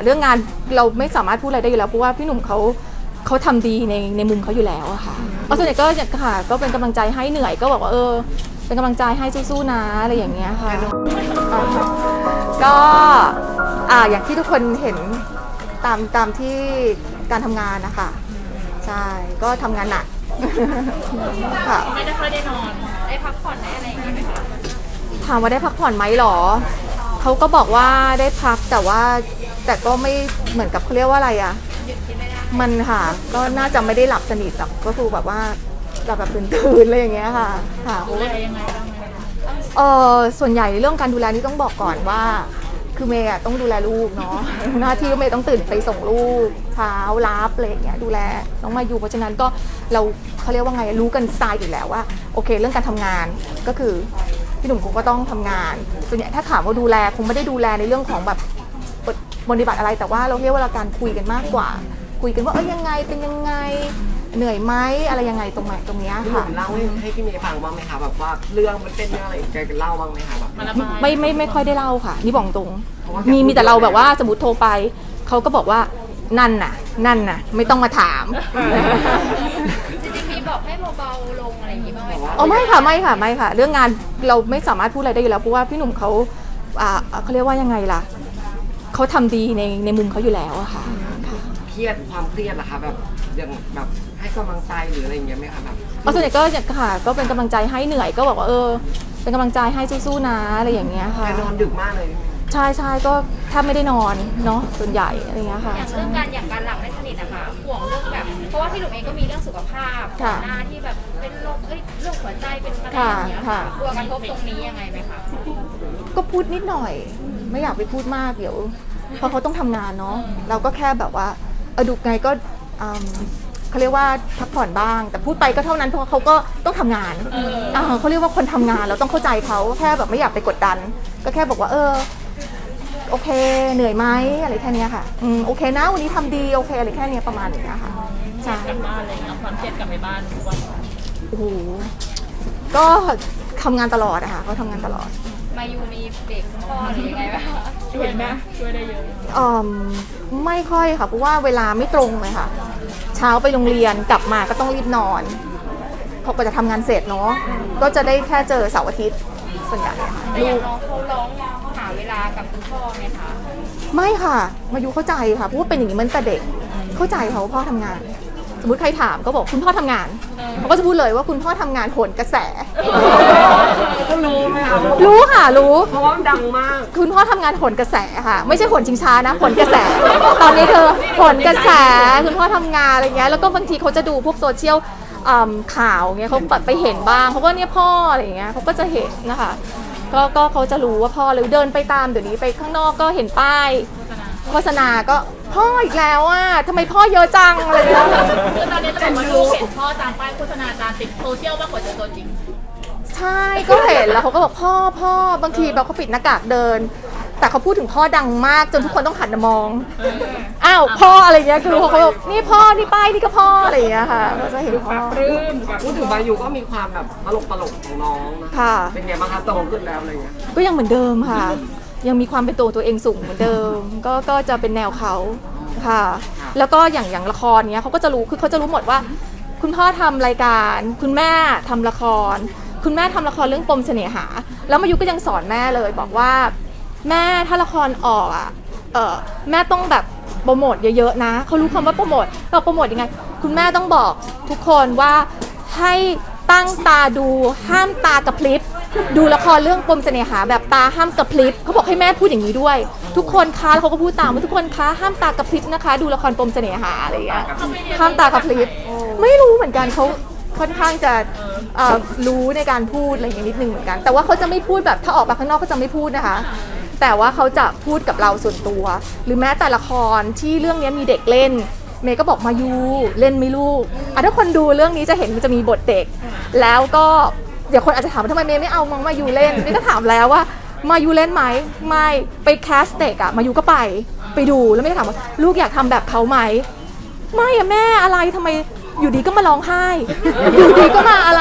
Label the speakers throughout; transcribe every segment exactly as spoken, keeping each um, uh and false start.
Speaker 1: เรื่องงานเราไม่สามารถพูดอะไรได้อยู่แล้วเพราะว่าพี่หนุ่มเขาเขาทำดีในในมุมเขาอยู่แล้วอะค่ะก็ส่วนใหญ่ก็ค่ะก็เป็นกำลังใจให้เหนื่อยก็บอกว่าเออเป็นกำลังใจให้สู้ๆนะอะไรอย่างเงี้ยค่ะก็อ่าอย่างที่ทุกคนเห็นตามตามที่การทำงานนะคะใช่ก็ทำงานหนักค่ะ
Speaker 2: ไม่ได้ค่อยได้นอนได้พักผ่อนได้อะไรอย่างเงี้ยไหมคะ
Speaker 1: ถามว่าได้พักผ่อนไหมหรอเขาก็บอกว่าได้พักแต่ว่าแต่ก็ไม่เหมือนกับเขาเรียกว่าอะไรอะมันค่ะก็น่าจะไม่ได้หลับสนิทหรอกก็คือแบบว่าหลับแบบตื่นๆอะไรอย่างเงี้ยค่ะค่ะ
Speaker 2: ดูแลยังไงบ้าง
Speaker 1: เออส่วนใหญ่เรื่องการดูแลนี่ต้องบอกก่อนว่าคือเมย์ต้องดูแลลูกเนาะหน้าที่เมย์ต้องตื่นไปส่งลูกเช้ารับอะไรอย่างเงี้ยดูแลน้องมาอยู่เพราะฉะนั้นก็เราเขาเรียกว่าไงรู้กันสไตล์อยู่แล้วว่าโอเคเรื่องการทำงานก็คือพี่หนุ่มคงก็ต้องทำงานส่วนใหญ่ถ้าถามว่าดูแลคงไม่ได้ดูแลในเรื่องของแบบปฏิบัติอะไรแต่ว่าเราเรียกว่าการคุยกันมากกว่าคุยกันว่าเอ้ยยังไงเป็นยังไงเหนื่อยไหมอะไรยังไงตรงไหนตรงนี้ค่ะ
Speaker 3: เล่าให้พี่เมย์ฟังบ้างไหมคะแบบว่าเรื่องมันเป็นเรื่องอะไรแกเล่าบ้างไหมคะแบบ
Speaker 1: ไม่ไม่ไม่ค่อยได้เล่าค่ะนี่บอกตรงมีมีแต่เราแบบว่าสมมติโทรไปเขาก็บอกว่านั่นน่ะนั่นน่ะไม่ต้องมาถาม
Speaker 2: จริงๆมีบอกให้เบาๆลงอะไรอย่างงี้บ้างไหมคะ
Speaker 1: อ๋อไม่ค่ะไม่ค่ะไม่ค่ะเรื่องงานเราไม่สามารถพูดอะไรได้อยู่แล้วเพราะว่าพี่หนุ่มเขาอ่าเขาเรียกว่ายังไงล่ะเขาทำดีในในมุมเขาอยู่แล้วอะค่ะ
Speaker 3: เครียดความเครียดเหรอคะแบบอย่างแบบให้กำลังใจหรืออะไรอย่างเงี้ยไหมคะแบบ
Speaker 1: อ๋อส่วนใหญ่ก็ค่ะก็เป็นกำลังใจให้เหนื่อยก็บอกว่าเออเป็นกำลังใจให้สู้ๆนะอะไรอย่างเงี้ยค่ะ
Speaker 3: แกนอนดึกมากเลย
Speaker 1: ใช่ใช่ก็แทบไม่ได้นอนเนาะส่วนใหญ่อะไรเงี้ยค่ะ
Speaker 2: อย่างเรื่องการอย่างการหลับไม่สนิทนะคะห่วงเรื่องแบบเพราะว่าพี่หนุ่มเองก็มีเรื่องสุขภาพก่อนหน้าที่แบบเป็นโรคเอ้ยเรื่องหัวใจเป็นอะไรอย่างเงี้ยค่ะกลัวกระทบตรงนี้ยังไงไหมคะ
Speaker 1: ก็พูดนิดหน่อยไม่อยากไปพูดมากเดี๋ยวเพราะเขาต้องทำงานเนาะเราก็แค่แบบว่าเออดูไงก็เขาเรียกว่าพักผ่อนบ้างแต่พูดไปก็เท่านั้นเพราะเขาก็ต้องทำงานเขาเรียกว่าคนทำงานเราต้องเข้าใจเขาแค่แบบไม่อยากไปกดดันก็แค่บอกว่าเออโอเคเหนื่อยไหมอะไรแค่นี้ค่ะอืมโอเคนะวันนี้ทำดีโอเคอะไรแค่นี้ประมาณนี้ค่ะ
Speaker 2: ใช่กลับบ้านอะไรเงี้ยความเครียดกลับไปบ้านทุกวัน
Speaker 1: โอ้โหก็ทำงานตลอดอะค่ะเขาทำงานตลอด
Speaker 2: มายูมีเด็กคุณพ่อหรือยังไงบ้างช่วยไหมช่วยได้เยอะ
Speaker 1: อืมไม่ค่อยค่ะเพราะว่าเวลาไม่ตรงเลยค่ะเช้าไปโรงเรียนกลับมาก็ต้องรีบนอนพอก็จะทำงานเสร็จเนาะก็จะได้แค่เจอเสาร์อาทิตย์ส่วนใหญ่ค่ะ
Speaker 2: ลูกเขาร้องหาเวลากับคุณพ่อไหมคะ
Speaker 1: ไม่ค่ะมายูเข้าใจค่ะเพราะว่าเป็นอย่างนี้มันแต่เด็กเข้าใจเขาพ่อทำงานสมมติใครถามก็บอกคุณพ่อทำงานเขาก็จะพูดเลยว่าคุณพ่อทำงานโหนกระแส
Speaker 3: ก็รู้ไหมคะ
Speaker 1: รู้ค่ะรู้
Speaker 3: เพราะว่าดังมาก
Speaker 1: คุณพ่อทำงานโหนกระแสค่ะไม่ใช่โหนชิงช้านะโหนกระแสตอนนี้เธอโหนกระแสคุณพ่อทำงานอะไรเงี้ยแล้วก็บางทีเขาจะดูพวกโซเชียลข่าวเงี้ยเขาไปเห็นบ้างเขาก็เนี่ยพ่ออะไรเงี้ยเขาก็จะเห็นนะคะก็ก็เขาจะรู้ว่าพ่อหรือเดินไปตามเดี๋ยวนี้ไปข้างนอกก็เห็นป้ายโฆษณาก็พ่ออีกแล้วอ่ะทำไมพ่อเยอะจังอะไรเงี้ย
Speaker 2: คือตอนนี้จะบอกว่าลูกเห็นพ่อตามป้ายโฆษณาตามติดโซเชียลมากกว่าเจอตัวจริง
Speaker 1: ใช่ก็เห็นแล้วเขาก็บอกพ่อพ่อบางทีแบบเขาปิดหน้ากากเดินแต่เขาพูดถึงพ่อดังมากจนทุกคนต้องหันมามองอ้าวพ่ออะไรเงี้ยคือเขาบอกนี่พ่อนี่ป้ายนี่ก็พ่ออะไรเงี้ยค่ะก็จะเห็นพ่อ
Speaker 3: พูดถึงบายูก็มีความแบบตลกตลกของน้องนะเป็นไงบ้างคะโตขึ้นแล้วอะไรเงี้ย
Speaker 1: ก็ยังเหมือนเดิมค่ะยังมีความเป็นตัวตัวเองสูงเหมือนเดิมก็ก็จะเป็นแนวเขาค่ะแล้วก็อย่างอย่างละครเนี้ยเขาก็จะรู้คือเขาจะรู้หมดว่าคุณพ่อทำรายการคุณแม่ทำละครคุณแม่ทำละครเรื่องปมเสน่หาแล้วมายุก็ยังสอนแม่เลยบอกว่าแม่ถ้าละครออกอ่ะเออแม่ต้องแบบโปรโมทเยอะๆนะเขารู้คำว่าโปรโมทเราโปรโมทยังไงคุณแม่ต้องบอกทุกคนว่าให้ตั้งตาดูห้ามตากระพริบดูละครเรื่องปมเสน่หาแบบตาห้ามกระพริบเขาบอกให้แม่พูดอย่างนี้ด้วยทุกคนคะแล้วเขาก็พูดตามว่าทุกคนคะห้ามตากระพริบนะคะดูละครปมเสน่หาอะไรอย่างเงี้ยห้ามตากระพริบไม่รู้เหมือนกันเขาค่อนข้างจะรู้ในการพูดอะไรอย่างนี้นิดนึงเหมือนกันแต่ว่าเขาจะไม่พูดแบบถ้าออกมาข้างนอกเขาจะไม่พูดนะคะแต่ว่าเขาจะพูดกับเราส่วนตัวหรือแม้แต่ละครที่เรื่องนี้มีเด็กเล่นเมย์ก็บอกมายูเล่นไม่ลูกอ่ะถ้าคนดูเรื่องนี้จะเห็นมันจะมีบทเด็กแล้วก็เดี๋ยวคนอาจจะถามว่าทำไมเมย์ไม่เอามายูเล่นนี่ก็ถามแล้วว่ามายูเล่นไหมไม่ไปแคสเด็กอะมายูก็ไปไปดูแล้วไม่ได้ถามว่าลูกอยากทำแบบเขาไหมไม่อะแม่อะไรทำไมอยู่ดีก็มาร้องไห้อยู่ดีก็มาอะไร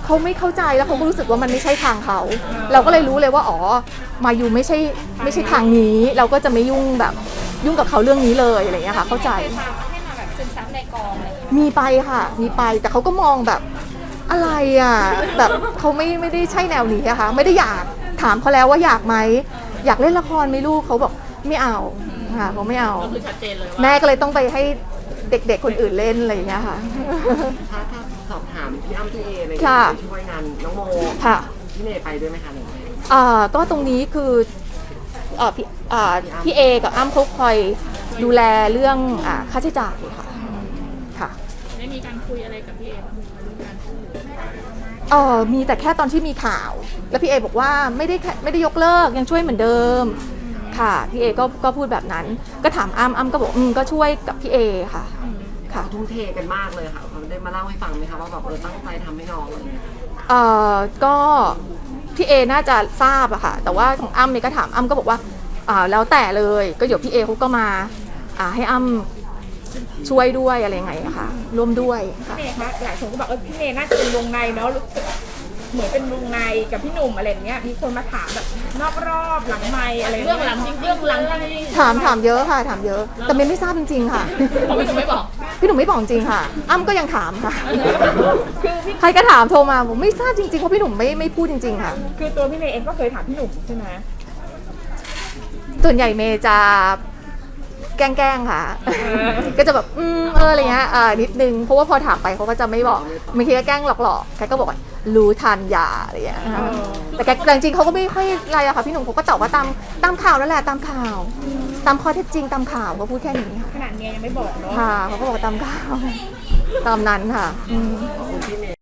Speaker 1: เขาไม่เข้าใจแล้วเขาก็รู้สึกว่ามันไม่ใช่ทางเขาเราก็เลยรู้เลยว่าอ๋อมายูไม่ใช่ไม่ใช่ทางนี้เราก็จะไม่ยุ่งแบบยุ่งกับเขาเรื่องนี้เลยอะไรอย่างเงี้ยค่ะเข้าใจ
Speaker 2: เคยพาให้มาแบบซึมซับในกองอะไรอย่างเงี้ย
Speaker 1: มีไปค่ะมีไปแต่เขาก็มองแบบอะไรอ่ะแบบเขาไม่ไม่ได้ใช่แนวนี้อะค่ะไม่ได้อยากถามเขาแล้วว่าอยากไหมอยากเล่นละครไหมลูกเขาบอกไม่เอาค่ะเขาไม่เอา
Speaker 2: ก็คือชัดเจนเลยว่า
Speaker 1: แม่ก็เลยต้องไปให้เด็กๆคนอื่นเล่นอะไรอย่างเงี้ยค่ะ
Speaker 3: ถ้าถ้าสอบถามพี่อ้ำพี่เออะไร
Speaker 1: ค่ะ
Speaker 3: ไปช่วยงานน้องโม
Speaker 1: ค่ะ
Speaker 3: พี่เนยไปด้วยไหมคะหรือไง
Speaker 1: อ่าก็ตรงนี้คือเอ่อพี่อ่าพี่เอกับอ้ำเขาคอยดูแลเรื่องอ่าค่าใช้จ่ายค่ะค่ะ
Speaker 2: ได้มีการคุยอะไรกับพี่เอบ้างเรื่องการช่วยเหลือ
Speaker 1: เออมีแต่แค่ตอนที่มีข่าว แล้วพี่เอบอกว่าไม่ได้แค่ไม่ได้ยกเลิกยังช่วยเหมือนเดิมค่ะพี่เอก็ก็พูดแบบนั้น ก็ถามอ้ำอ้ำก็บอกอืมก็ช่วยกับพี่เอค่ะค่ะ
Speaker 3: ทุ่มเทกันมากเลยค่ะเขาได้มาเล่าให้ฟังไหมคะว่าแบบเออตั้งใจทำให้น้องอะไรอย่างเงี้ย
Speaker 1: เออก็พี่เอน่าจะทราบอะค่ะแต่ว่าของอ้ำเนี่ยก็ถามอ้ำก็บอกว่าอ่าแล้วแต่เลยก็เดี๋ยวพี่เอเขาก็มาอ่าให้อ้ำช่วยด้วยอะไรยังไงอะค่ะร่วมด้วยค่ะ
Speaker 4: พี่เมย์คะหลายคนก็บอกเออพี่เมย์น่าจะเป็นวงในเนาะรู้สึกเหมือนเป็นวงในกับพี่หนุ่มอะไรอย่างเงี้ยมีคนมาถามแบบนอกรอบหลังไมค์อะไร
Speaker 2: เรื่องหลังจริงเรื่องหลังจริง
Speaker 1: ถามถามเยอะค่ะถามเยอะ แต่เมย์ไม่ทราบจริงๆค่ะ
Speaker 2: เขาไม่ถึงไม่บอก
Speaker 1: พี่หนุ่มไม่บอกจริงค่ะ อ้ำก็ยังถามค่ะ ใครก็ถามโทรมาผมไม่ทราบจริงๆเพราะพี่หนุ่มไม่ไม่พูดจริงๆค่ะ
Speaker 4: คือตัวพี่เมย์เองก็เคยถามพี่หนุ่มใช่ไหม
Speaker 1: ส่วนใหญ่เมย์จะแกล้งๆค่ะ ก็จะแบบอืมเอออะไรเงี้ยอ่านิดนึงเพราะว่าพอถามไปเขาก็จะไม่บอกบางทีก็แกล้งหลอกๆแกก็บอกว่ารู้ทันยาอะไรอย่างเงี้ยนะคะแต่แกแต่จริงๆเขาก็ไม่ค่อยอะไรอะค่ะพี่หนุ่มเขาก็ตอบว่าตามตามข่าวนั่นแหละตามข่าว ตามข้อเท็จจริงตามข่าวเขาพูดแค่นี้ค่ะ
Speaker 4: ขนาดเมียยังไม่บอกเนาะ
Speaker 1: ค่ะเขาก็บอกว่าตามข่าวตามนั้นค่ะอืม
Speaker 3: ขอบคุณพี่เมย์